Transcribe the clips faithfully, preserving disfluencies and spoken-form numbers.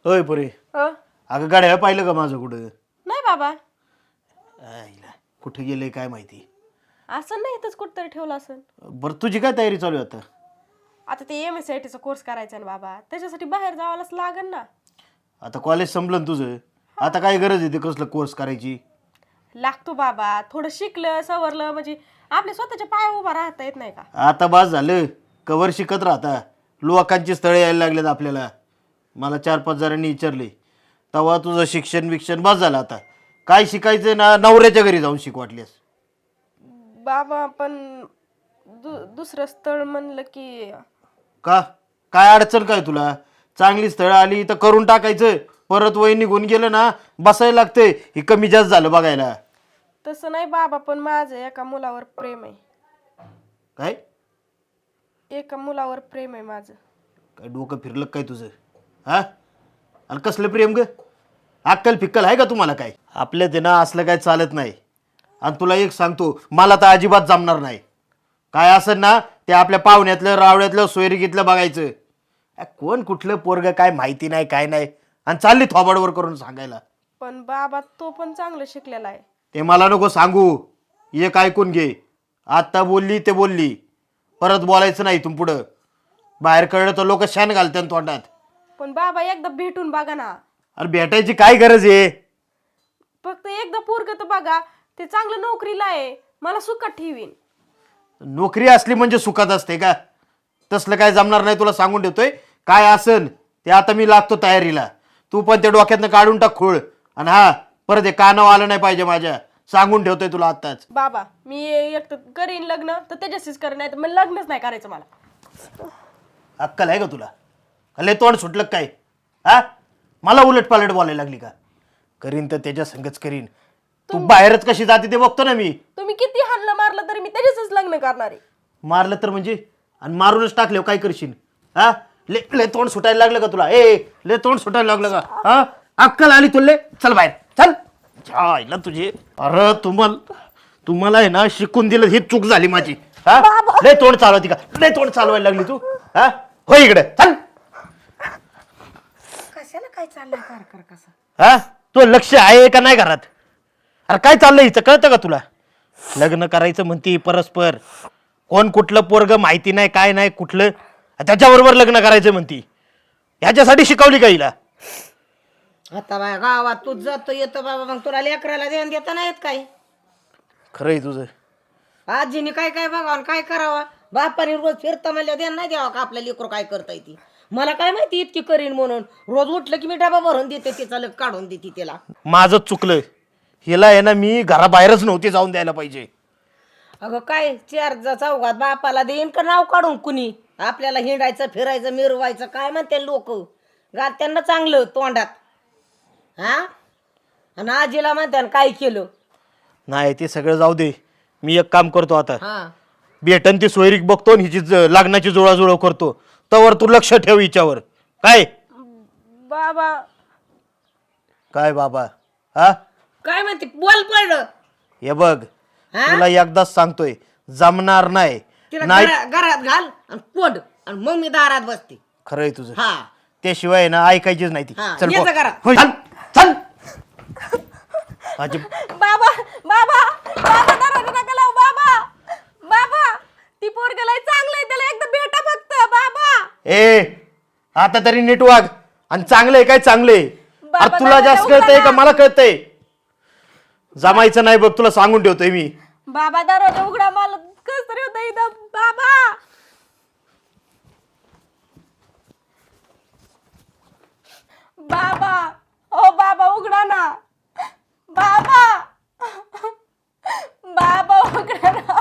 होय पुरे अ अगं गाड्या पाहिलं का माझं कुठं? नाही बाबा, आईला कुठे गेले काय माहिती. असं नाही इथंच कुठतरी ठेवलं असेल. बरं तुझी काय तयारी चालू आहे आता? आता ते एम एस सी आय टीचा कोर्स करायचा ना बाबा, त्याच्यासाठी बाहेर जावालाच लागेल ना. आता कॉलेज संपलं ना तुझं, आता काय गरज आहे ते कसलं कोर्स करायची? लागतो बाबा, थोडं शिकलं सवरलं म्हणजे आपल्या स्वतःच्या पायावर उभा राहता येत नाही का. आता बास झालं, कवर शिकत राहता. लोकांची स्थळे यायला लागलेत आपल्याला. मला चार पाच जणांनी विचारले तेव्हा तुझं शिक्षण विक्षण बस झालं. आता काय शिकायचं ना, नवऱ्याच्या घरी जाऊन शिक वाटल्यास. बाबा पण दु दुसरं स्थळ म्हणलं की का काय अडचण काय तुला? चांगली स्थळं आली तर करून टाकायचं. परत वय निघून गेलं ना बसायला लागतंय. हे कमी जास्त झालं बघायला. तसं नाही बाबा, पण माझं एका मुलावर प्रेम आहे. काय एका मुलावर प्रेम आहे माझं. काय डोकं फिरलं काय तुझं? हा आणि कसलं प्रेम ग? अक्कल फिक्कल आहे का तुम्हाला काय? आपल्या ते ना असलं काय चालत नाही. आणि तुला एक सांगतो, मला तर अजिबात जमणार नाही. काय असेल ना ते आपल्या पाहुण्यातलं रावड्यातलं सोयरिकीतलं बघायचं. अ, कोण कुठलं पोरग काय माहिती नाही काय नाही आणि चालली थोबाडवर करून सांगायला. पण बाबा तो पण चांगलं शिकलेला आहे. ते मला नको सांगू. एक ऐकून घे. आत्ता बोलली ते बोलली, परत बोलायचं नाही इथून पुढं. बाहेर कळलं तर लोक शान घालतात तोंडात. पण बाबा एकदा भेटून बघा ना. अरे भेटायची काय गरज आहे? फक्त एकदा पोरग तर बघा, ते चांगलं नोकरीला आहे, मला सुखात ठेवीन. नोकरी असली म्हणजे सुखात असते का? तसलं काय जमणार नाही तुला सांगून ठेवतोय. काय असन ते आता मी लागतो तयारीला. तू पण ते डोक्यातनं काढून टाक खूळ. आणि हा परत हे कानावर आलं नाही पाहिजे माझ्या. सांगून ठेवतोय तुला आत्ताच. बाबा मी एक तर करीन लग्न तर त्याच्याशीच करेन, नाही तर मग लग्नच नाही करायचं मला. अक्कल आहे का तुला? लय तोंड सुटलं काय? हा मला उलट पालट बोलायला लागली का? करीन तर त्याच्या संगच करीन. तू बाहेरच कशी जाते ते बघतो ना मी. तुम्ही किती हाणलं मारलं तरी मी त्याच्याशीच लग्न करणार आहे. मारलं तर म्हणजे? आणि मारूनच टाकले काय करशील? हा ले ले तोंड सुटायला लागलं का तुला? ए ले तोंड सुटायला लागलं का? हा अक्कल आली तुले? चल बाहेर चल. छायला तुझे. अरे तुम्हाला तुम्हाला आहे ना शिकून दिलं ही चूक झाली माझी. हा लय तोंड चालवती का? लय तोंड चालवायला लागली तू. हा हो इकडे चल. कशाला काय चाललंय कार कर कसं? हा तो लक्ष आहे का नाही घरात? अरे काय चाललंय हिचं कळतं का तुला? लग्न करायचं म्हणती परस्पर. कोण कुठलं पोरग माहिती नाही काय नाही कुठलं, त्याच्याबरोबर लग्न करायचं म्हणती. ह्याच्यासाठी शिकवली का हिला? आता बाय गावात तूच जातो येतो बाबा, मग तुला लेकराला ध्यान देता नाही येत काय? खरंय तुझं. आजीने काय काय बघावं आणि काय करावा? बापाने रोज फिरता म्हणलं ध्यान नाही द्यावा का आपल्या लेकरू काय करता येते? मला काय माहिती इतकी करीन म्हणून. रोज उठलं की मी डबा भरून देते, तिचा लग काढून देते तिला. माझं चुकलं. हिला आहे ना मी घराबाहेरच नव्हती जाऊन द्यायला पाहिजे. अगं काय चार जा चौघात बापाला देईन का नाव काढून कुणी? आपल्याला हिंडायचं फिरायचं मिरवायचं काय म्हणते लोक. गात त्यांना चांगलं तोंडात. हा आणि आजीला म्हणते काय केलं? नाही ते सगळं जाऊ दे. मी एक काम करतो आता. हा भेटन ती सोयरीक बघतो आणि हिची ज- लग्नाची जुळाजुळव करतो. तवर तू लक्ष ठेव हिच्यावर. काय बाबा काय बाबा? हा काय म्हणते बोल पडलं. हे बघ हा? तुला एकदाच सांगतोय, जमणार नाही. तिला नाही घरा- घरात घाल आणि कोंड आणि मग मी दारात बसते. खरंय तुझं. हा त्याशिवाय ना ऐकायचीच नाही ती. हा, चल ये पो. जा घरात. होय, चल चल. अजिब बाबा बाबा बाबा दरवाजा नका लावू बाबा. बाबा ती पोरगलाय चांगलं आहे, त्याला एकदा भेटा फक्त बाबा. ए आता तरी नीट वाग. आणि चांगलंय काय चांगलंय? बाबा, अरे तुला जास्त दरवाजा कळतंय उघडा का ना. मला कळतंय? जमायचं नाही बघ, तुला सांगून ठेवतोय मी. बाबा दरवाजा उघडा, मला कस तरी होतं इथं बाबा. बाबा ओ बाबा उघडा ना. बाबा बाबा उघडा ना.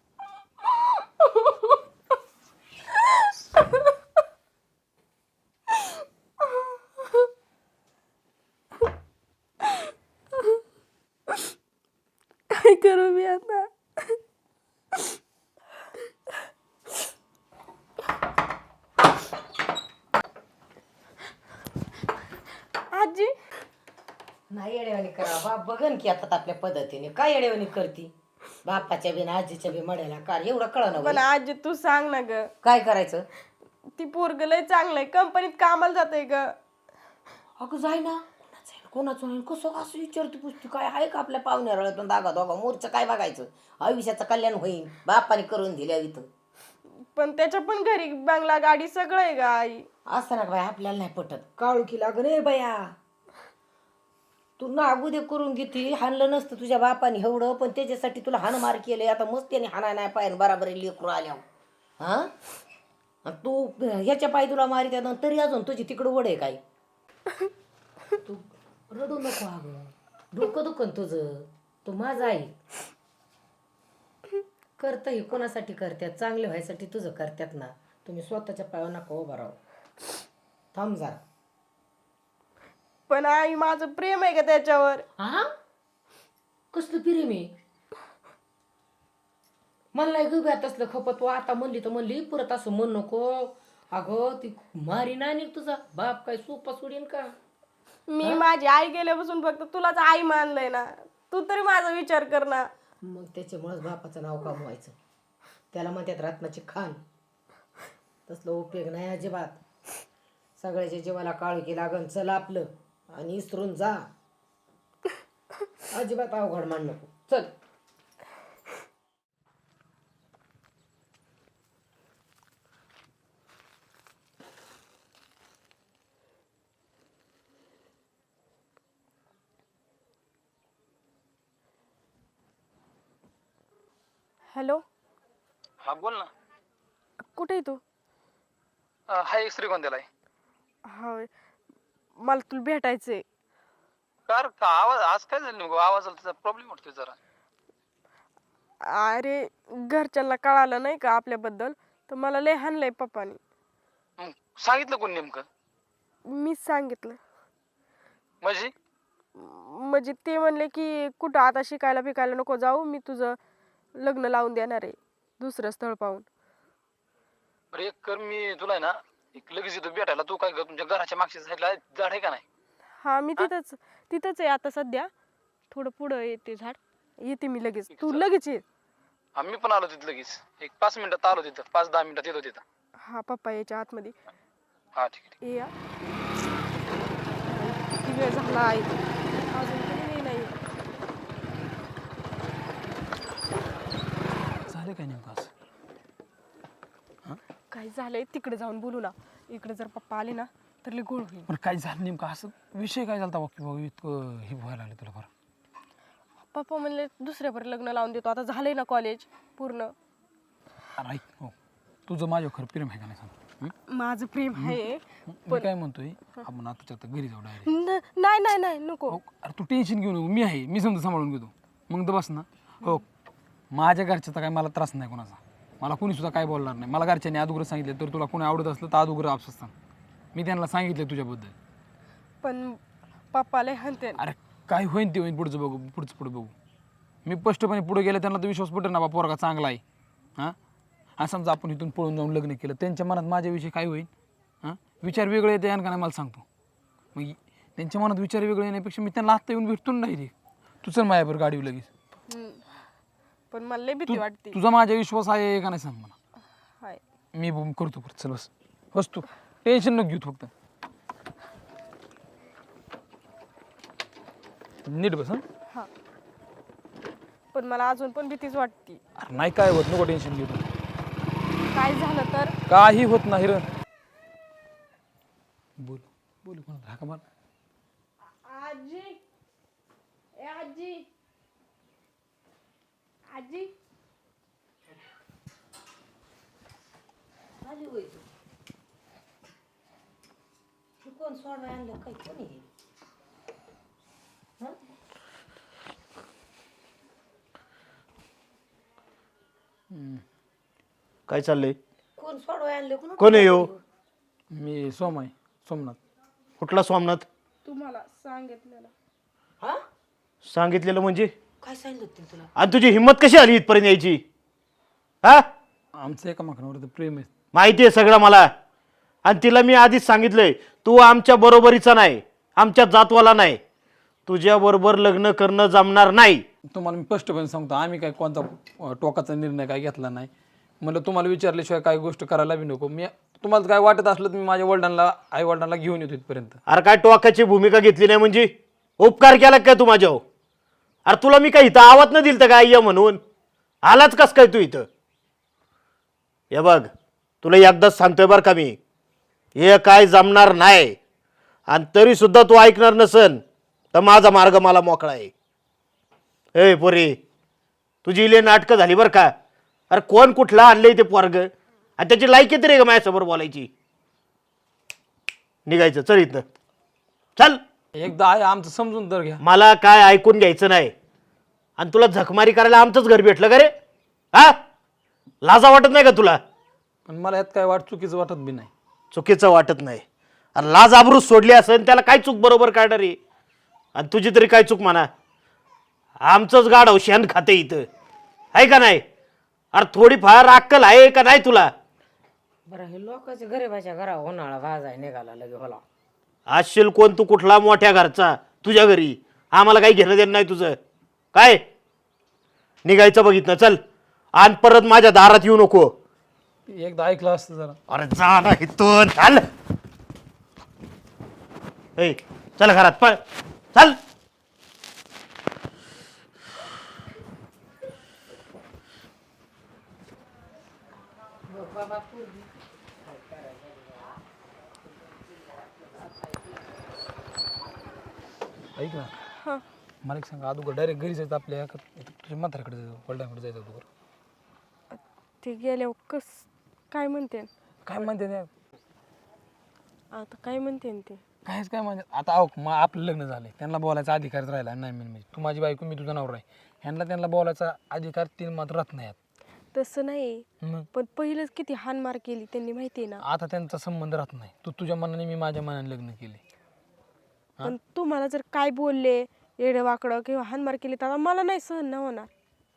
काय करू मी आता? आजी नाही येडेवानी करा बाप बघन की आता आपल्या पद्धतीने काय येडेवानी करती. बापाच्या बी आणि आजीच्या बी मड्याला कार एवढं कळलं पण ना. आजी तू सांग ना ग. काय करायचं? ती पोरग लय चांगलंय, कंपनीत कामाला जाते ग. अगं जाय ना कोणाचं आहे कोणाचं नाही कसं असं विचारते पुसती काय आहे का आपल्या पाहुण्याराळ्यातून दागा दोघा मोरचं काय बघायचं आयुष्याचं कल्याण होईल बापाने करून दिल्या इथं. पण त्याच्या पण घरी बंगला गाडी सगळं आहे का आई? असं ना बाय आपल्याला नाही पटत काळुकी लागन ए बया तू ना अगोदर करून घेते हाणलं नसतं तुझ्या बापाने एवढं पण त्याच्यासाठी तुला हाण मार केले आता मस्त त्याने हाणा नाही पाहिजे बराबर लेकरू आल्यावर हां आणि तू ह्याच्या पायी तुला मारित आहे तरी अजून तुझी तिकडं वड आहे काय तू रडू नको अगं डोकं दुखन तुझं तू माझा आहे करतं हे कोणासाठी करतात चांगले व्हायसाठी तुझं करतात ना तुम्ही स्वतःच्या पायावर नका उभा राहू थांब जा. पण आई माझं प्रेम आहे का त्याच्यावर? हा कसलं प्रेम आहे मला नाही गव्यात असलं खपत तू आता म्हणली तर म्हणली परत असं म्हण नको अगं ती मारी नाही तुझा बाप काय सोपा सोडीन का? मी माझी आई गेल्यापासून फक्त तुलाच आई मानलंय ना तू तरी माझा विचार कर ना. मग त्याच्यामुळेच बापाचं नाव कमवायचं त्याला म्हणतात रत्नाची खान तसलं उपयोग नाही अजिबात सगळ्याच्या जीवाला काळुकी लागन चल आपलं आणि इसरून जा अजिबात अवघड मान नको चल. हॅलो हा बोल ना. कुठे आहे तू? अं, हाय श्रीगोंद्याला आहे. हा मला तुला भेटायचंय. कार का आवाज आज काय झालं नेमकं आवाजाला प्रॉब्लेम वाटतोय जरा. अरे घरच्यांना कळालं नाही का आपल्याबद्दल तर मला लय हाणलंय पप्पानी. मग सांगितलं कोण नेमकं? मीच सांगितलं. म्हणजे म्हणजे ते म्हणले की कुठं आता शिकायला बिकायला नको जाऊ मी तुझं लग्न लावून देणार आहे दुसरं स्थळ पाहून. बरं एक कर मी तुला आहे ना एक लगेच येतो भेटायला. तू काय कर तुमच्या घराच्या मागच्या साईडला झाड आहे का नाही? हा मी तिथंच तिथंच आहे आता सध्या थोडं पुढं येते झाड येते मी लगेच तू लगेच ये. हा मी पण आलो तिथं लगेच एक पाच मिनिटात आलो तिथं पाच दहा मिनिटात येतो तिथं. हा पप्पा याच्या आतमध्ये हा ठीक आहे. ये या. किती वेळ झाला आहे अजून तरी नाही. झालं काय नेमकं असं? काय झालंय तिकडे जाऊन बोलू ना. इकडे जर पप्पा आले ना तर लय गोळ होईल. पण काय झालं नेमकं असं विषय काय झाला बाकी भाऊ इतकं हे व्हायला लागलं तुला बरं? पप्पा म्हणले दुसऱ्यावर लग्न लावून देतो आता झालंय ना कॉलेज पूर्ण. अरे ऐक हो तुझं माझ्या खरं प्रेम आहे का नाही सांग? हं? माझं प्रेम आहे. मी काय म्हणतोय आपण आताच्या आता घरी जाऊ डायरेक्ट. न- नाही नाही नाही नको. हो अरे तू टेन्शन घेऊ नको मी आहे मी समजा सांभाळून घेतो मग तर बस ना. हो माझ्या घरच्याचा काय मला त्रास नाही कोणाचा मला कोणी सुद्धा काय बोलणार नाही. मला घरच्यांनी अगोदर सांगितलं तर तुला कोणी आवडत असलं तर अगोदर आपस सांग. मी त्यांना सांगितलं तुझ्याबद्दल. पण पप्पा लय हनते. अरे काय होईन ते होईन पुढचं बघू पुढचं पुढं बघू. मी स्पष्टपणे पुढे गेलं त्यांना तर विश्वास पटेल ना बा पोरगा चांगला आहे. हां आणि समजा आपण इथून पळून जाऊन लग्न केलं त्यांच्या मनात माझ्याविषयी काय होईल? हां विचार वेगळे येते का नाही मला सांगतो. मग त्यांच्या मनात विचार वेगळे येण्यापेक्षा मी त्यांना आत्ता येऊन भेटतो नाही रे. तू चल माझ्यावर गाडीवर लगेच. पण मला लय भीती वाटते. तुझा माझ्या विश्वास आहे का नाही सांग मला. हाय मी ब- करतो परत चल बस बस तू टेन्शन नको घेऊ फक्त नीट बस हं. हा पण मला अजून पण भीतीच वाटते. अरे नाही काय होत नको टेन्शन घेऊ तू. काय झालं तर काही होत नाही रे. बोल बोल कोण हाका मार. आजी ए आजी आजी आली होय तू तू कोण सोडवाय आणलं काही कोणी हे? हं? काय चाललंय? कोण सोडवाय आणलं कोण कोण आहे ह्यो? मी सोम आहे सोमनाथ. कुठला सोमनाथ? तुम्हाला सांगितलेलं. हा सांगितलेलं म्हणजे? काय सांगितलं होतं तुला? आणि तुझी हिंमत कशी आली इथपर्यंत यायची? हा आमचं एका मागण्यावर तर प्रेम आहे. माहिती आहे सगळं मला. आणि तिला मी आधीच सांगितलंय तू आमच्या बरोबरीचा नाही आमच्या जातवाला नाही तुझ्या बरोबर लग्न करणं जमणार नाही. तुम्हाला मी स्पष्टपणे सांगतो आम्ही काय कोणता अं, टोकाचा निर्णय काय घेतला नाही. म्हणलं तुम्हाला विचारल्याशिवाय काही गोष्ट करायला बी नको. मी तुम्हाला काय वाटत असलं तर मी माझ्या वडिलांना आई वडिलांना घेऊन येतो इथपर्यंत. अरे काय टोकाची भूमिका घेतली नाही म्हणजे उपकार केला काय तू माझ्यावर? अरे तुला मी काय इथं आवाज न दिलं तर काय ये म्हणून आलाच कस काय तू इथं? हे बघ तुला एकदाच सांगतोय बरं का मी, हे काय जमणार नाही. आणि तरी सुद्धा तू ऐकणार नसन तर माझा मार्ग मला मोकळा आहे. ए पोरी तुझी इले नाटकं झाली बरं का. अरे कोण कुठला आणलंय ते पोरग आणि त्याची लायकी तरी आहे का माझ्यासमोर बोलायची? निघायचं चल इथनं चल. एकदा आहे आमचं समजून तर घ्या. मला काय ऐकून घ्यायचं नाही. आणि तुला झकमारी करायला आमचंच घर भेटलं का रे? हा लाजा वाटत नाही का तुला? पण मला यात काय वाट चुकीचं वाटत बी नाही. चुकीचं वाटत नाही. अरे लाज आबरूच सोडली असेल त्याला काय चूक बरोबर काढणार रे? आणि तुझी तरी काय चूक म्हणा? आमचंच गाढव शेण खाते इथं आहे का नाही? अरे थोडीफार अक्कल आहे का नाही तुला? बरं हे लोकांच्या गरीबाच्या घरा उन्हाळा भाजाय निघाला लगे होला. असशील कोण तू कुठला मोठ्या घरचा तुझ्या घरी आम्हाला काही घेणं देणं नाही तुझं काय? निघायचं बघितलं चल. आणि परत माझ्या दारात येऊ नको. एकदा ऐकलं असतं जरा. अरे जा ना इथून चाल. ए चल घरात पळ चल. ऐक ना मला एक सांगा अगोदर डायरेक्ट घरी जायचं आपल्या का तुझ्या म्हाताऱ्याकडे जायचं वडिलांकडे जायचं अगोदर? ते गेल्यावर कस काय म्हणते काय म्हणते ते? आता काय म्हणते ते? काहीच काय म्हणजे आता अहो मग आपलं लग्न झालंय त्यांना बोलायचा अधिकार राहिला नाही. म्हणजे तू माझी बायको मी तुझा नवरा आहे. ह्यांना त्यांना बोलायचा अधिकार तीन मात्र राहत नाही. तसं नाही मग पण पहिलेच किती हानमार केली त्यांनी माहितीये ना. आता त्यांचा संबंध राहत नाही. तू तुझ्या मनाने मी माझ्या मनाने लग्न केले. पण तुम्हाला जर काय बोलले येडं वाकडं किंवा हानमार केली तर मला नाही सहन न होणार.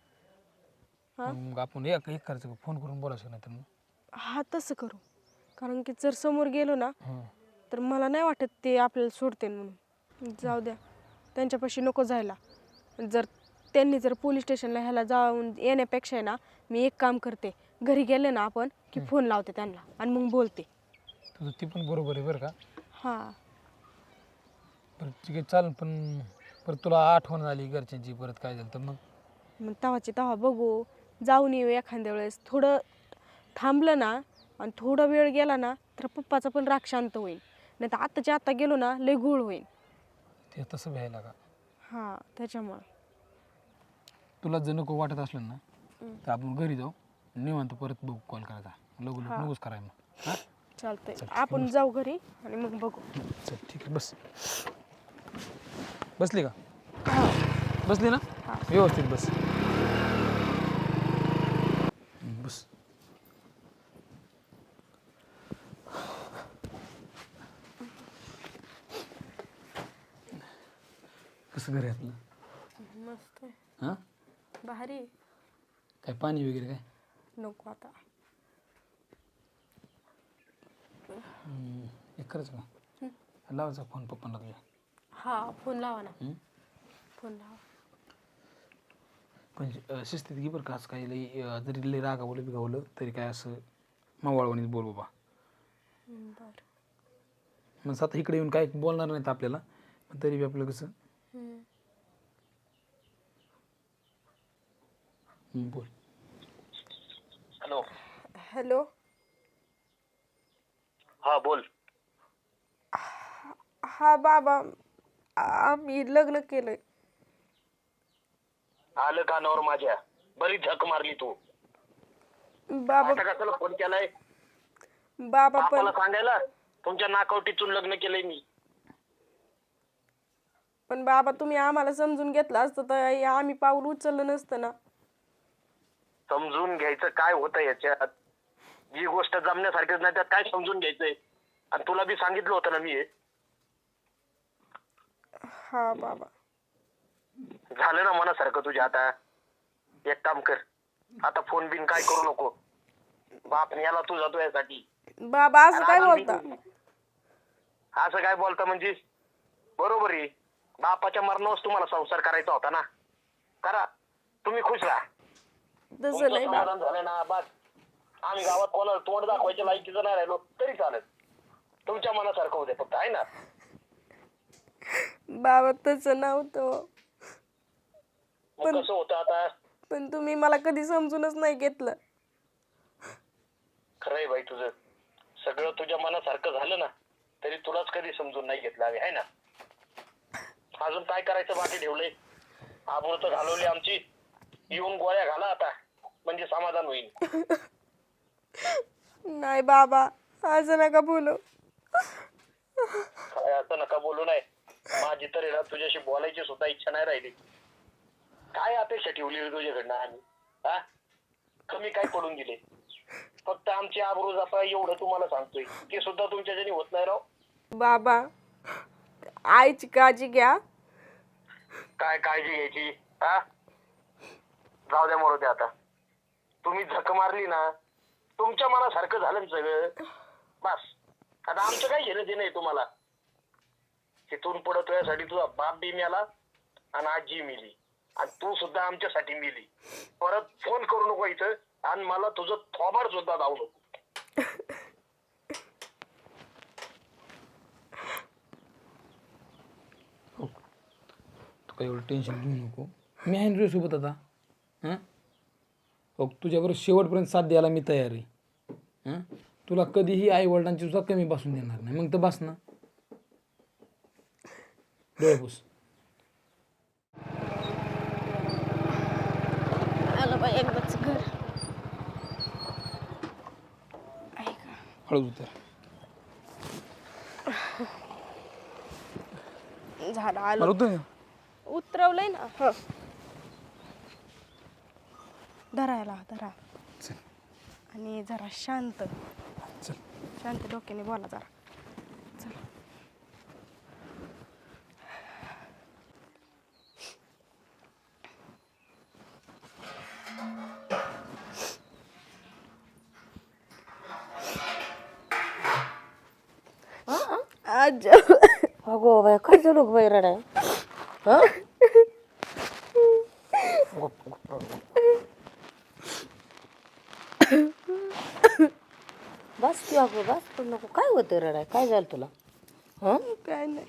मग आपण एक एक करायचं फोन करून बोलायचं नाही तर मग. हा तसं करू. कारण की जर समोर गेलो ना हं. तर मला नाही वाटत ते आपल्याला सोडते म्हणून. जाऊ द्या त्यांच्यापाशी नको जायला. जर त्यांनी जर पोलीस स्टेशनला ह्याला जाऊन येण्यापेक्षा आहे ना मी एक काम करते घरी गेले ना आपण की फोन लावते त्यांना आणि मग बोलते. तुझं ती पण बरोबर आहे बरं का. हां बरं ठीक आहे चालेल. पण परत तुला आठवण झाली घरच्यांची परत काय झालं तर मग? मग तवाची तवा बघू जाऊन येऊ एखाद्या वेळेस. थोडं थांबलं ना आणि थोडा वेळ गेला ना तर पप्पाचा पण राग शांत होईल. नाही तर आत्ताच्या आत्ता गेलो ना लय घोळ होईल. ते तसं व्हायला का? हां त्याच्यामुळं तुला जर नको वाटत असलं ना तर आपण घरी जाऊ निवांत परत बघू कॉल करायचा. लगू लग नकोच कराय मग. हां चालतंय आपण जाऊ घरी आणि मग बघू. चल ठीक आहे बस. बसली का? बसली ना व्यवस्थित बस. बस कसं घर आहे आपलं? मस्त आहे. हां भारी आहे. काय पाणी वगैरे काय? नको आता. एक करायचं का लावायचा फोन पप्पांना तुझ्या? हा फोन लावा ना. हं? फोन लावा. पण अं, शिस्तीत घे बरं का. असं काही लई अं, जरी लई रागावलं बिगावलं तरी काय असं मावळवानीच बोल बाबा. बरं मग आता इकडे येऊन काय बोलणार नाहीत आपल्याला पण तरी बी आपलं कसं हं, बोल. Hello hello. हा बोल. हा बाबा आम्ही लग्न केलंय. आलं कानावर माझ्या बरी झक मारली तू. बाबा आता कशाला फोन केलाय? बाबा पण बापाला सांगायला तुमच्या नाकावटीतून लग्न केलंय मी. पण बाबा तुम्ही आम्हाला समजून घेतलं असतं तर आम्ही पाऊल उचललं नसतं ना. समजून घ्यायचं काय होतं याच्यात? जी गोष्ट जमण्यासारखीच नाही त्यात काय समजून घ्यायचंय? आणि तुला बी सांगितलं होतं ना मी हे. हा बाबा झालं ना मनासारखं तुझ्या. आता एक काम कर आता फोन बिन काय करू नको. बाप याला तू जातो यासाठी. बाबा असं काय बोलता? असं काय बोलता म्हणजे बरोबर आहे. बापाच्या मरणावर तुम्हाला संसार करायचा होता ना. करा तुम्ही खुश राहा. तसं नाही बाबा. समाधान झालं ना बस. आम्ही गावात कोणाला तोंड दाखवायच्या लायकीचं नाही राहिलो तरी चालेल. तुमच्या मनासारखं होते फक्त आहे ना. बाबा तसं नव्हतं. मग कसं होतं आता? पण तुम्ही मला कधी समजूनच नाही घेतलं. खरंय बाई तुझं. सगळं तुझ्या मनासारखं झालं ना तरी तुलाच कधी समजून नाही घेतलं आम्ही आहे ना. अजून काय करायचं बाकी ठेवलंय? आबरू तर घालवली आमची. येऊन गोळ्या घाला आता म्हणजे समाधान होईल. नाही बाबा असं नका बोलू. काय असं नका बोलू नाही. माझी तर आहे ना तुझ्याशी बोलायची सुद्धा इच्छा नाही राहिली. काय अपेक्षा ठेवली रे तुझ्याकडनं आम्ही? हा कमी काय पडून दिले? फक्त आमची आबरू जपा एवढं तुम्हाला सांगतोय. ते सुद्धा तुमच्या जणी होत नाही राव. बाबा आईची काळजी घ्या. काय काळजी घ्यायची? हा जाऊ द्या मरू द्या आता. तुम्ही झक मारली ना तुमच्या मनासारखं झालं ना सगळं बस. आता आमचं काय घेणं ते नाही तुम्हाला. तिथून पुढे तुझ्यासाठी तुझा बाप बी मेला आणि आजी मेली आणि तू सुद्धा आमच्यासाठी मेली. परत फोन करू नको इथं आणि मला तुझं थोबाड सुद्धा धावू नको. तू काही एवढं टेन्शन घेऊ नको. मी आहे ना तुझ्यासोबत आता. हां हो तुझ्याबरोबर शेवटपर्यंत साथ द्यायला मी तयार आहे. हां तुला कधीही आई वडिलांची सुद्धा कमी बसून देणार नाही. मग तर बस ना. डोळे पुस. आलं बाई एकदाच घर. ऐका हळूच उतर. झालं मला आलं. उतर. उतरवलंय ना. हं धरायला धरा. चल आणि जरा शांत चल. शांत डोक्याने बोला जरा. चल आज अगो बाय काय झालं गं बाई रडाय? हं? बस की अगो बस पण नको. काय होतं रडाय? काय झालं तुला? हं काय नाही.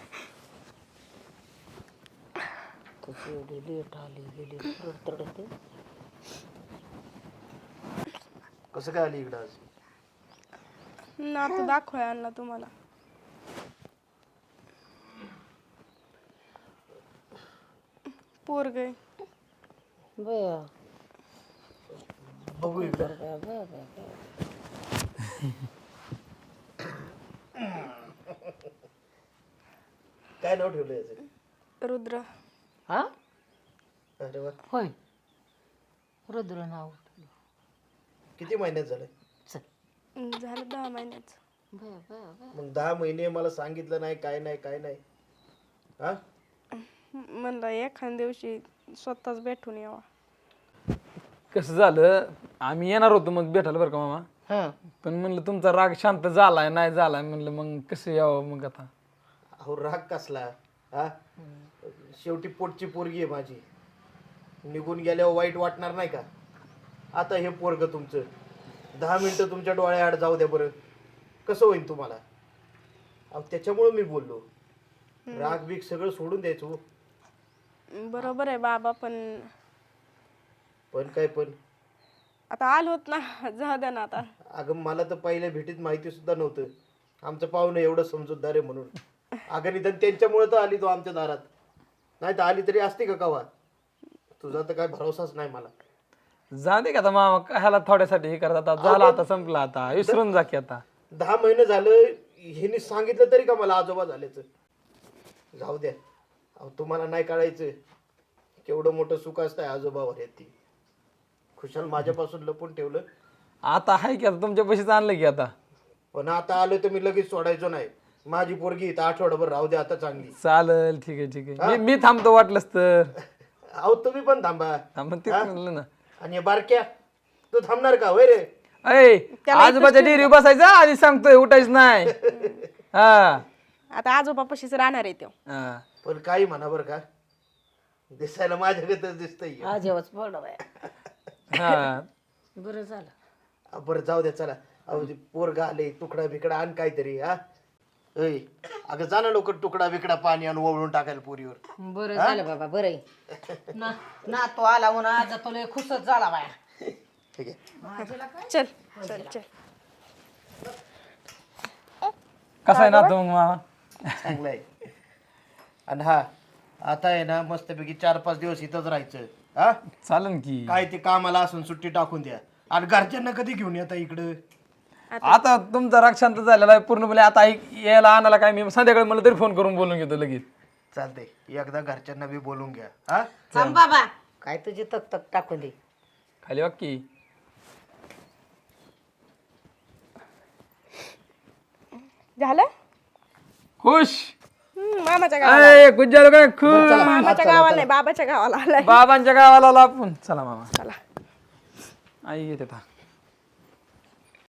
कशी एवढी लेट आली गेली रडत रडत. कसं काय आली इकडं आज? नातू दाखवाय आणला तुम्हाला. पोरग बया बघू इकडं. बया बया बया बया. काय नाव ठेवलं याचं? रुद्र. हा अरे वा. होय रुद्र नाव. किती महिन्यात झालं? चल झालं दहा महिन्याचं. बया बया बया. मग दहा महिने मला सांगितलं नाही काय नाही काय नाही. हा म्हणलं एखाद्या दिवशी स्वतःच भेटून यावा. कसं झालं आम्ही येणार होतो मग भेटायला बरं का मामा. हं पण म्हणलं तुमचा राग शांत झालाय नाही झालाय म्हणलं मग कसं यावं मग आता. अहो राग कसला? हा शेवटी पोटची पोरगी आहे माझी. निघून गेल्यावर वाईट वाटणार नाही का? आता हे पोरग तुमचं दहा मिनिटं तुमच्या डोळ्याआड जाऊ द्या बरं. कसं होईल तुम्हाला? अहो त्याच्यामुळं मी बोललो. राग बीग सगळं सोडून द्यायचं हो. बरोबर आहे बाबा पण पण काय पण? आता आलोत ना. जाऊ द्या ना आता. अगं मला तर पहिल्या भेटीत माहिती सुद्धा नव्हतं आमचं पाहुणं एवढं समजूतदार आहे म्हणून. अगं निधन त्यांच्यामुळे तर आली तो आमच्या दारात. नाही तर आली तरी असते का कवा? तुझा तर काय भरोसाच नाही मला. जा दे का आता मामा ह्याला थोड्यासाठी हे करत आता झालं आता संपलं आता विसरून जा की आता. दहा महिने झालं ह्यांनी सांगितलं तरी का मला आजोबा झाल्याचं. जाऊ द्या. अहो तुम्हाला नाही कळायचं केवढं मोठं सुख असतंय आजोबावर येते. खुशाल माझ्यापासून लपून ठेवलं. आता आहे की आता तुमच्या पैसेच आणलं की आता. पण आता आलो तर मी लगेच सोडायचो नाही. माझी पोरगी इथं आठवडाभर राहू द्या आता चांगली. चालेल ठीक आहे ठीक आहे मी मी थांबतो वाटलंच तर. अहो तुम्ही पण थांबा. थांब तेच म्हणलं ना. आणि हे बारक्या तू थांबणार का वय रे? अय आजोबाच्या डेअरी बसायचं आधी सांगतोय उठायच नाही. हा आता आजोबापाशीच राहणार आहे तो. हा. पण काही म्हणा बरं का दिसायला माझ्याकडे दिसतंय. आज जेव्हाच पडलं बाया. हा बरं झालं. बरं जाऊ द्या चला. अहो ते पोरगा आले तुकडा बिकडा आण काहीतरी. हा ऐ अगं जा ना लवकर तुकडा बिकडा पाणी आणून ओवळून टाकायला पोरीवर. बरं झालं बाबा बरं आहे. ना ना तो आला म्हणून आज तो लय खुशच झाला बाया. ठीक आहे. चल चल चल. कसा आहे ना तो मग मामा? चांगलं आहे. आणि हा आता आहे ना मस्तपैकी चार पाच दिवस इथंच राहायचं. हा चालन की. काय ते कामाला असून सुट्टी टाकून द्या. आणि घरच्यांना कधी घेऊन येता इकडं? आता तुमचा राग शांत झालेला आहे पूर्णपणे. आता आई यायला आणायला काय मी संध्याकाळी मला तरी फोन करून बोलून घेतो लगेच. चालतंय एकदा घरच्यांना बी बोलून घ्या. हा थांब बाबा काय तुझी तक तक टाकून दे. खाली वाक्की. झालं. खुश. हम्म, मामाच्या गावाला. अय खुश झालो काय? खुश. मामाच्या गावाला नाही बाबाच्या गावाला आलाय. बाबांच्या गावाला आलो आपण. चला मामा. चला. आई येते आता.